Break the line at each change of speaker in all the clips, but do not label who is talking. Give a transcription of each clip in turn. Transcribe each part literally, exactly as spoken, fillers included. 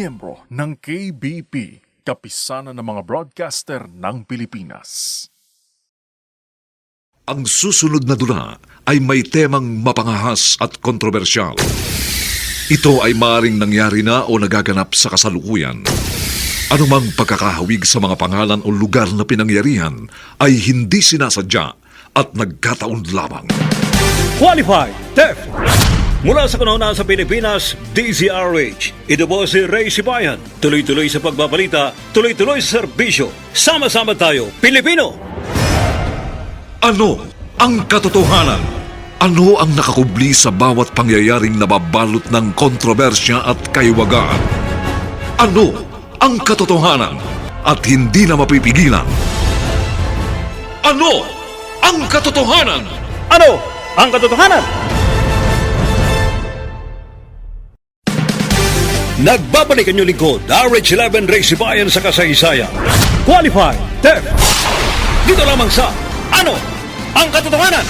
miyembro ng K B P, Kapisanan ng mga Broadcaster ng Pilipinas.
Ang susunod na dula ay may temang mapangahas at kontrobersyal. Ito ay maaaring nangyari na o nagaganap sa kasalukuyan. Anumang pagkakahawig sa mga pangalan o lugar na pinangyarihan ay hindi sinasadya at nagkataon lamang.
Qualified Theft! Mula sa kanuna sa Pilipinas, D Z R H. Ito po si Ray Sibayan. Tuloy-tuloy sa pagbabalita, tuloy-tuloy sa serbisyo. Sama-sama tayo, Pilipino!
Ano ang katotohanan? Ano ang nakakubli sa bawat pangyayaring nababalot ng kontrobersya at kaiwagaan? Ano ang katotohanan at hindi na mapipigilan? Ano ang katotohanan?
Ano ang katotohanan? Nagbabalik ang inyong lingkod, R H eleven Ray Sibayan sa kasaysayan. Qualified Theft! Dito lamang sa Ano ang katotohanan?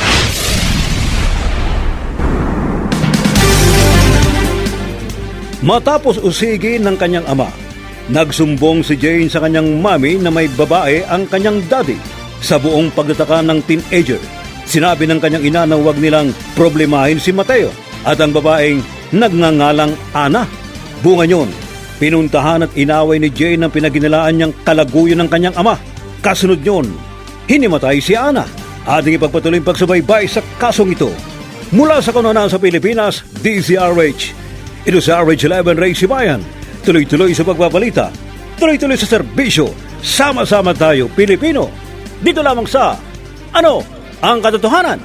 Matapos usigin ng kanyang ama, nagsumbong si Jane sa kanyang mami na may babae ang kanyang daddy. Sa buong pagtataka ng teenager, sinabi ng kanyang ina na huwag nilang problemahin si Mateo at ang babaeng nagngangalang Ana. Bunga niyon, pinuntahan at inaway ni Jane ang pinaginilaan niyang kalaguyo ng kanyang ama. Kasunod niyon, hinimatay si Ana. Ating ipagpatuloy ang pagsubaybay sa kasong ito. Mula sa kanunan sa Pilipinas, D Z R H. Ito sa R H eleven Ray Sibayan. Tuloy-tuloy sa pagpapalita, tuloy-tuloy sa serbisyo. Sama-sama tayo, Pilipino. Dito lamang sa Ano ang katotohanan?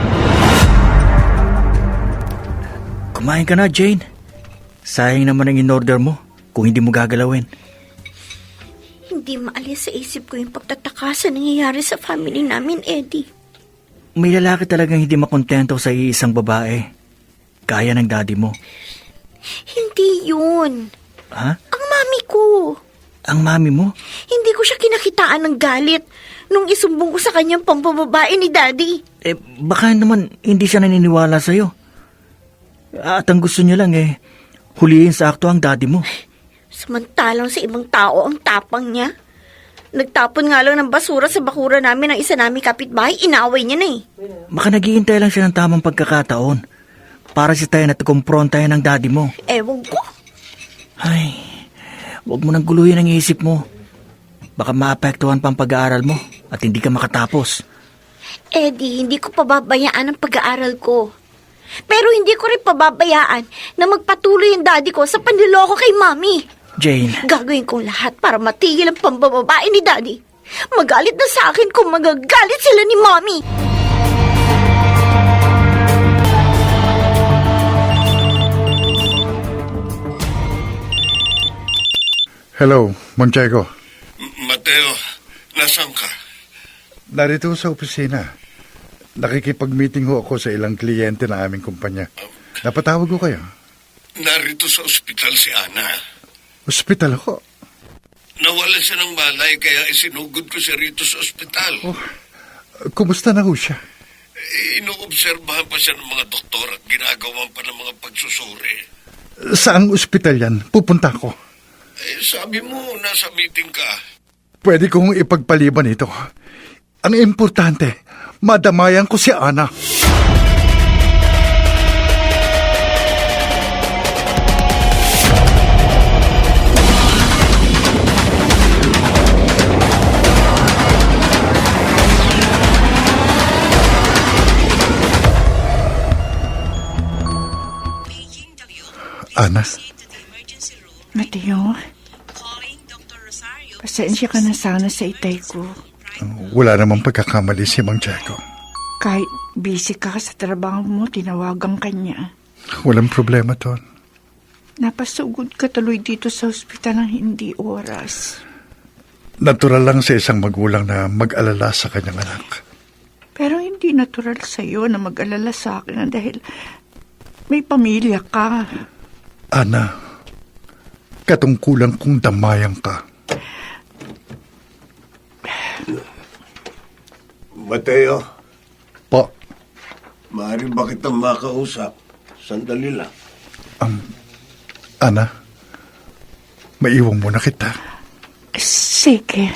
Kumain ka na, Jane. Sayang naman ang in-order mo kung hindi mo gagalawin.
Hindi maalis sa isip ko yung pagtataka sa nangyayari sa family namin, Eddie.
May lalaki talagang hindi makontento sa iisang babae. Kaya ng daddy mo.
Hindi yun.
Ha?
Ang mami ko.
Ang mami mo?
Hindi ko siya kinakitaan ng galit nung isumbong ko sa kanyang pambababae ni Daddy.
Eh, baka naman hindi siya naniniwala sa'yo. At ang gusto niya lang eh, hulihin sa akto ang daddy mo.
Samantalang sa ibang tao ang tapang niya. Nagtapon nga lang ng basura sa bakura namin ng isa naming kapitbahay, inaway niya na eh.
Baka naghihintay lang siya ng tamang pagkakataon para si tayo na kumprontahin ng daddy mo.
Ewan ko.
Ay, huwag mo nang guluhin ang isip mo. Baka maapektuhan pa ang pag-aaral mo at hindi ka makatapos.
Eddie, hindi ko pababayaan ang pag-aaral ko. Pero hindi ko rin pababayaan na magpatuloy ang daddy ko sa panliloko kay Mami.
Jane.
Gagawin kong lahat para matigil ang pambababae ni Daddy. Magalit na sa akin kung magagalit sila ni Mami.
Hello, Monchego.
Mateo, nasaan ka?
Narito sa opisina. Nakikipag-meeting ho ako sa ilang kliyente ng aming kumpanya. Napatawag ko kayo.
Narito sa ospital si Ana.
Ospital ako.
Nawala siya ng malay kaya isinugod ko siya rito sa ospital.
Oh, kumusta na ho siya?
Eh, Inoobserbahan pa siya ng mga doktor at ginagawan pa ng mga pagsusuri.
Saang ospital yan? Pupunta ko.
Eh, sabi mo, nasa meeting ka.
Pwede kong ipagpaliban ito. Ang importante, madamayan ko si Ana. Ana?
Mateo, pasensya ka na sana sa itay ko.
Wala namang pagkakamali si Mang Jaco.
Kahit busy ka sa trabaho mo, tinawagan ka niya.
Walang problema, Ton.
Napasugod ka tuloy dito sa ospital ng hindi oras.
Natural lang sa isang magulang na mag-alala sa kanyang anak.
Pero hindi natural sa'yo na mag-alala sa akin dahil may pamilya ka.
Ana, katungkulan kong damayan ka.
Mateo,
Pa,
maaari ba kitang makausap? Sandali lang.
Ana, Maiwan mo na kita.
Sige.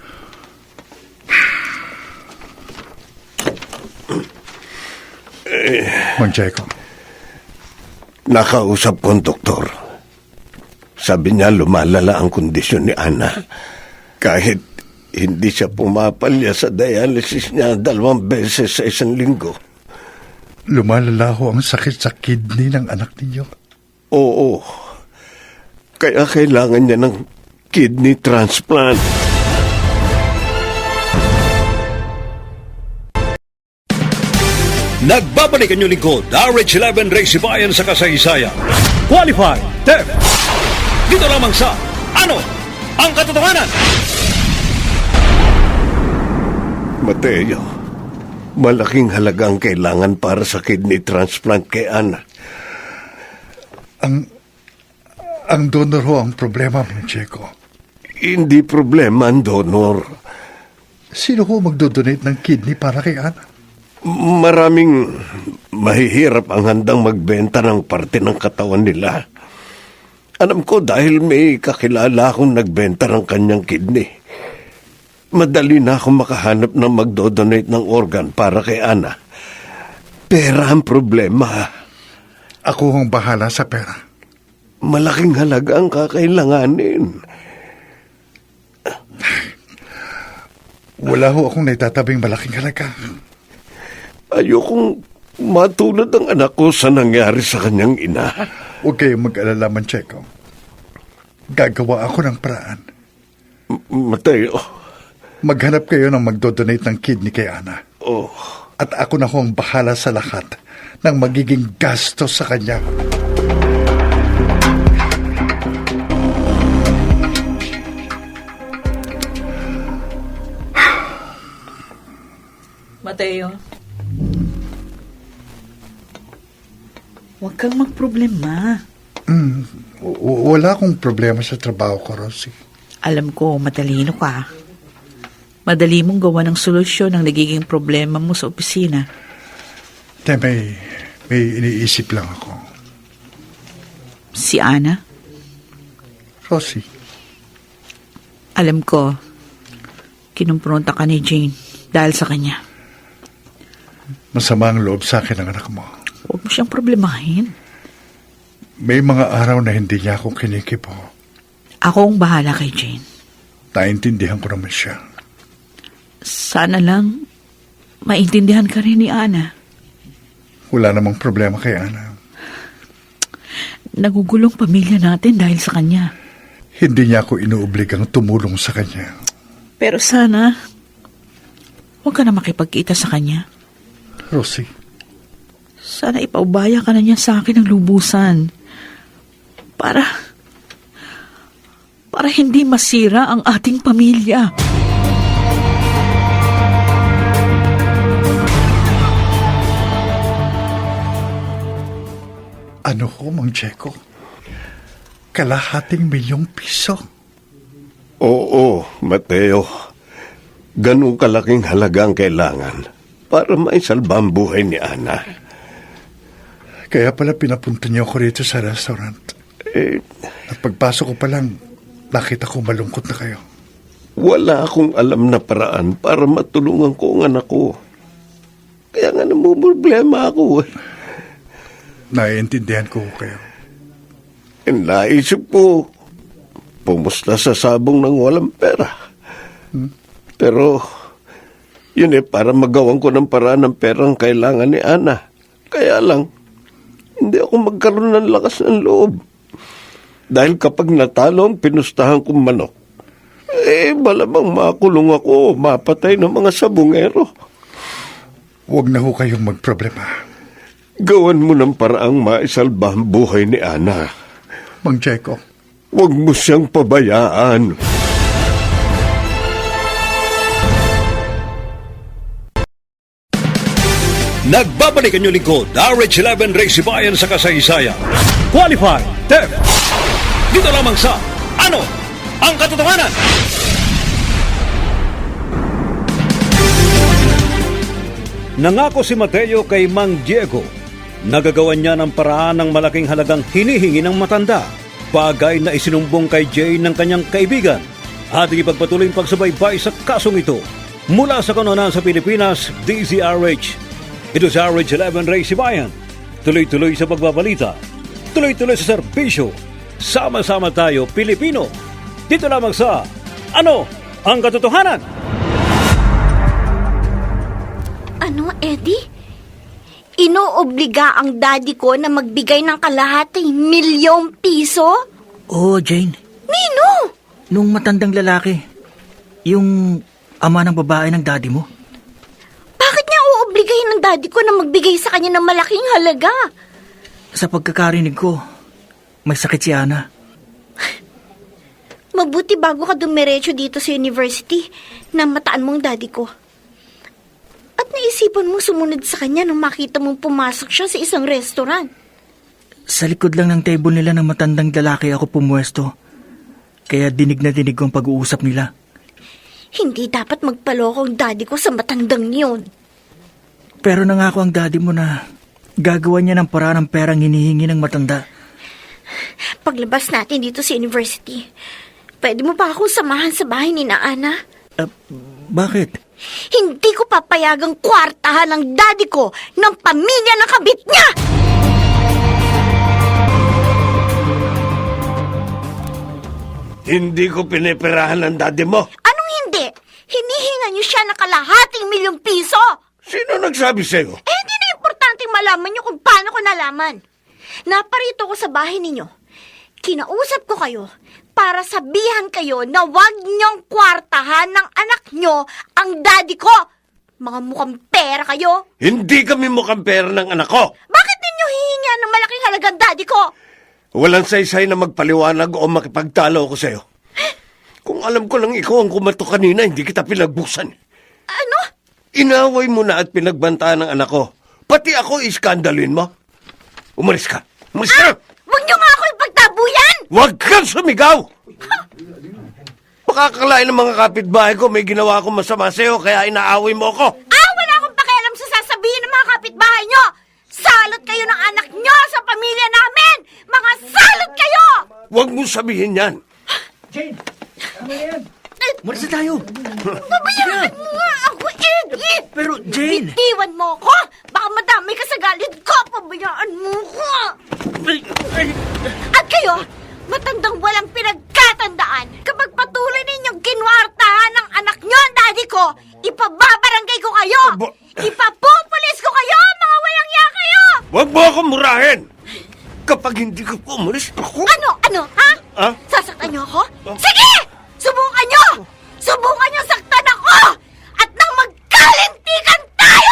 Mang Jacob,
Nakausap ko ang doktor. Sabi niya lumalala ang kondisyon ni Ana. Kahit hindi siya pumapalya sa dialysis niya dalawang beses sa isang linggo.
lumalala ho ang sakit sa kidney ng anak ninyo.
Oo. Kaya kailangan niya ng kidney transplant.
Nagbabalik ang inyong lingkod, R H eleven Race Bayan sa kasaysayan. Qualified, T E F. Dito lamang sa Ano ang Katotohanan?
Mateo, malaking halaga ang kailangan para sa kidney transplant kay Ana.
Ang ang donor ho ang problema, Mang Checo.
Hindi problema ang donor.
Sino ho magdodonate ng kidney para kay Ana?
Maraming mahihirap ang handang magbenta ng parte ng katawan nila. Alam ko dahil may kakilala akong nagbenta ng kanyang kidney. Madali na akong makahanap ng magdodonate ng organ para kay Ana. Pera ang problema.
Ako ang bahala sa pera.
Malaking halaga ang kakailanganin.
Wala ho akong naitatabing malaking halaga.
Ayokong matulad ang anak ko sa nangyari sa kanyang ina.
Huwag kayong mag-alala, Mang Checo. Gagawa ako ng paraan.
M- Mateo.
Maghanap kayo ng magdodonate ng kidney kay Ana.
Oh.
At ako na ho ang bahala sa lahat ng magiging gastos sa kanya.
Mateo, huwag kang magproblema.
Mm, w- wala akong problema sa trabaho ko, Rosie.
Alam ko, matalino ka. Madali mong gawa ng solusyon ang nagiging problema mo sa opisina.
Te, may, may iniisip lang ako.
Si Ana,
Rosie,
alam ko, kinumpronta ka ni Jane dahil sa kanya.
masama ang loob sa akin ng anak mo.
Huwag mo siyang problemahin.
May mga araw na hindi niya ako kinikipo.
Ako ang bahala kay Jane.
Naintindihan ko naman siya.
Sana lang maintindihan ka rin ni Ana.
Wala namang problema kay Ana.
Nagugulong pamilya natin dahil sa kanya.
Hindi niya ako inuobligang tumulong sa kanya.
Pero sana, huwag ka na makipagkita sa kanya.
Rosie,
Sana ipaubaya ka na niya sa akin ng lubusan. Para, para hindi masira ang ating pamilya.
ano ho, Mang Checo? Kalahating milyong piso.
Oo, Mateo. Ganun kalaking halaga ang kailangan para maisalba ang buhay ni Ana.
Kaya pala pinapunta niyo ako rito sa restaurant.
Eh,
At pagpasok ko pa lang, nakita ko malungkot na kayo.
wala akong alam na paraan para matulungan ko ang anak ko. Kaya nga namumroblema ako. eh.
Naiintindihan ko kayo.
E naisip ko, pumusta sa sabong ng walang pera. Pero, yun eh, para magawan ko ng paraan ng perang kailangan ni Ana. Kaya lang, hindi ako magkaroon ng lakas ng loob. Dahil kapag natalo ang pinustahan kong manok, eh, malamang makulong ako, mapatay ng mga sabungero.
Huwag na ho kayong magproblema.
Gawan mo ng paraang maisalba ang buhay ni Ana.
Mang Checo,
Huwag mo siyang pabayaan.
Nagbabalik ang inyong lingkod, R H eleven Race Bayan sa kasaysayan. Qualified, T E F. Dito lamang sa Ano ang Katotohanan? Nangako si Mateo kay Mang Diego. Nagagawan niya ng paraan ng malaking halagang hinihingi ng matanda. bagay na isinumbong kay Jane ng kanyang kaibigan. Ating ipagpatuloy ang pagsubaybay sa kasong ito. Mula sa kanonan sa Pilipinas, D Z R H. Ito sa R H eleven Ray Sibayan. Tuloy-tuloy sa pagbabalita. Tuloy-tuloy sa serbisyo. Sama-sama tayo, Pilipino. Dito lamang sa Ano ang Katotohanan?
Ano, Eddie? Inoobliga ang daddy ko na magbigay ng kalahating milyong piso?
Oo, Jane.
Nino!
Nung matandang lalaki, yung ama ng babae ng daddy mo.
Bakit niya uobligahin ng daddy ko na magbigay sa kanya ng malaking halaga?
Sa pagkakarinig ko, may sakit si Ana.
Mabuti bago ka dumiretso dito sa university na mataan mong daddy ko. At naisipan mong sumunod sa kanya nung makita mong pumasok siya sa isang restaurant.
Sa likod lang ng table nila ng matandang lalaki ako pumuesto. Kaya dinig na dinig ko ang pag-uusap nila.
Hindi dapat magpaloko ang daddy ko sa matandang yun.
Pero nangako ang daddy mo na gagawa niya ng paraan ng perang hinihingi ng matanda.
Paglabas natin dito sa university, pwede mo pa akong samahan sa bahay ni na Ana?
Uh, bakit?
Hindi ko papayagang kwartahan ng daddy ko ng pamilya ng kabit niya!
Hindi ko pinipirahan ng daddy mo.
Anong hindi? Hinihinga niyo siya ng kalahating milyong piso!
Sino nagsabi sa'yo?
Eh, hindi na importanteng malaman niyo kung paano ko nalaman. Naparito ko sa bahay ninyo. Kinausap ko kayo para sabihan kayo na wag niyong kwartahan ng anak niyo ang daddy ko. Mga mukhang pera kayo.
Hindi kami mukhang pera ng anak ko.
Bakit ninyo hihingian ng malaking halagang daddy ko?
Walang saysay na magpaliwanag o makipagtalo ko sa'yo. Kung alam ko lang ikaw ang kumato kanina, hindi kita pinagbusan.
Ano?
Inaway mo na at pinagbantaan ng anak ko. Pati ako iskandalin mo. Umalis ka. Umalis ka!
Ah! Huwag niyo nga ako ipagtabuyan!
Huwag kang sumigaw! Makakalain ng mga kapitbahay ko may ginawa akong masama sa'yo kaya inaaway mo ako.
Ah! Wala akong pakialam sa sasabihin ng mga kapitbahay niyo! Salot kayo ng anak niyo sa pamilya namin! Mga salot kayo!
Huwag mo sabihin yan.
Jane! Ano yan? Umalis na tayo!
Pabayaan mo nga ako, Eddie!
Pero, Jane!
Bitiwan mo ako! Baka madami ka sa galit ko! Pabayaan mo ko! At kayo, matandang walang pinagkatandaan. Kapag patuloy ninyong kinwartahan ng anak nyo ang daddy ko, ipababarangay ko kayo!
Aba-
Ipapupulis ko kayo! Mga walang ya kayo!
Huwag mo akong murahin! Kapag hindi ka umalis, ako...
Ano? Ano? Ha?
Ah?
Sasaktan niyo ako? Sige! Subukan niyo! Subukan niyo saktan ako! At nang magkalintikan tayo!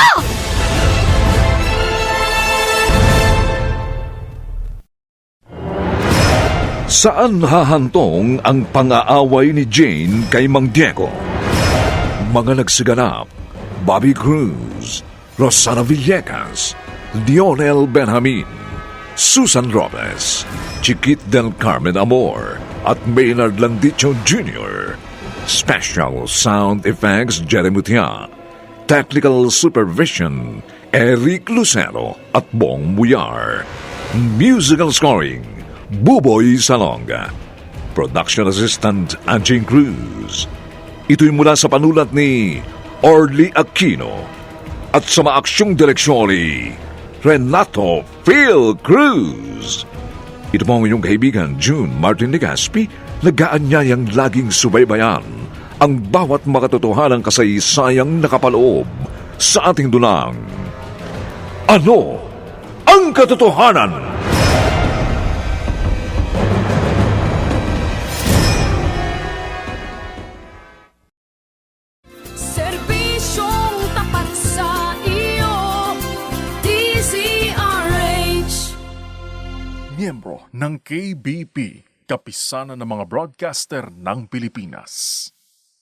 Saan hahantong ang pang-aaway ni Jane kay Mang Diego? Mga nagsiganap, Bobby Cruz, Rosana Villegas, Dionel Benjamin, Susan Robles, Chiquit del Carmen Amor, at Maynard Landicho Junior Special Sound Effects Jerry Mutia. Technical Supervision Eric Lucero at Bong Muyar. Musical Scoring Buboy Salonga. Production Assistant Anjing Cruz. Ito'y mula sa panulat ni Orly Aquino at sa maaksyong direksyon ni Renato Phil Cruz. Ito po ang inyong kaibigan June Martin Legaspi, nag-aanyayang laging subaybayan ang bawat makatotohanang kasaysayang nakapaloob sa ating dunang. Ano ang katotohanan?
Serbisyong tapat sa iyo, D Z R H.
Miyembro ng K B P, Kapisanan ng mga Broadcaster ng Pilipinas.